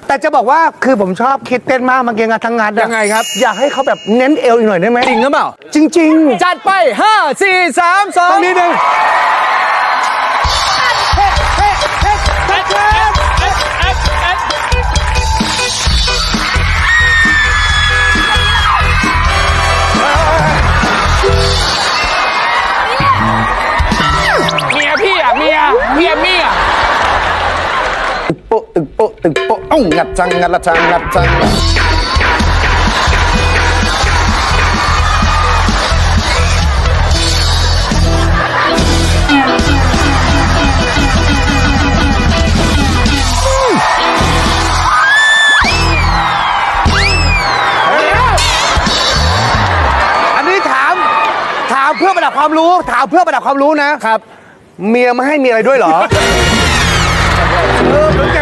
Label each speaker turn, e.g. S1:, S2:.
S1: แต่จะบอกว่าคือผมชอบคิดเต้นมากเมื่อกี้งานทั้งงานอะ
S2: ยังไงครับ
S1: อยากให้เขาแบบเน้นเอวอีกหน่อยได้ไหม
S2: จริงหรือเปล่า
S1: จริง
S2: จัดไป 5 4 3
S1: ๆตรง
S2: 2
S1: นี้หนึ่ง
S2: เมียพี่อ่ะเมียมี่อ่ะ
S3: ตึกโป๊ะตึกโป๊ะตึกโป๊ะอ้าวงัดจังงัดละจังงัดจัง
S1: อันนี้ถามเพื่อประดับความรู้ถามเพื่อประดับความรู้นะครับ เมียมาให้มีอะไรด้วยเหรอ